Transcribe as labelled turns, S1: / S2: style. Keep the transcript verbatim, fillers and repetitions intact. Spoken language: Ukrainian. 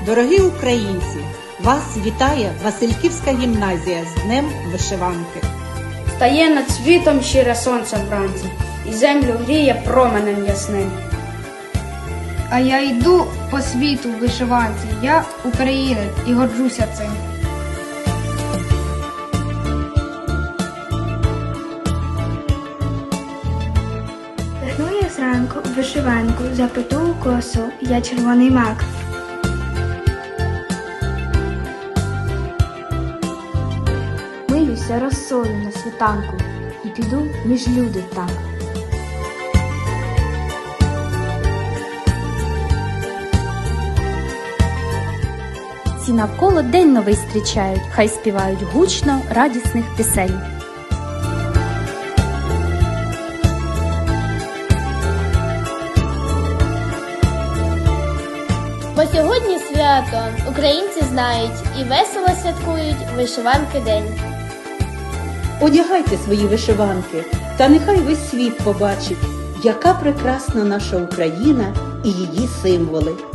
S1: Дорогі українці, вас вітає Васильківська гімназія з Днем вишиванки.
S2: Стає над світом щире сонце вранці, і землю гріє променем ясним.
S3: А я йду по світу в вишиванці, я українець і горджуся цим.
S4: Вдихну я зранку в вишиванку, заплету у косу, я червоний мак.
S5: Милюся розсою на світанку і піду між люди так.
S6: Всі навколо день новий зустрічають, хай співають гучно радісних пісень.
S7: Бо сьогодні свято українці знають і весело святкують вишиванки день.
S1: Одягайте свої вишиванки, та нехай весь світ побачить, яка прекрасна наша Україна і її символи.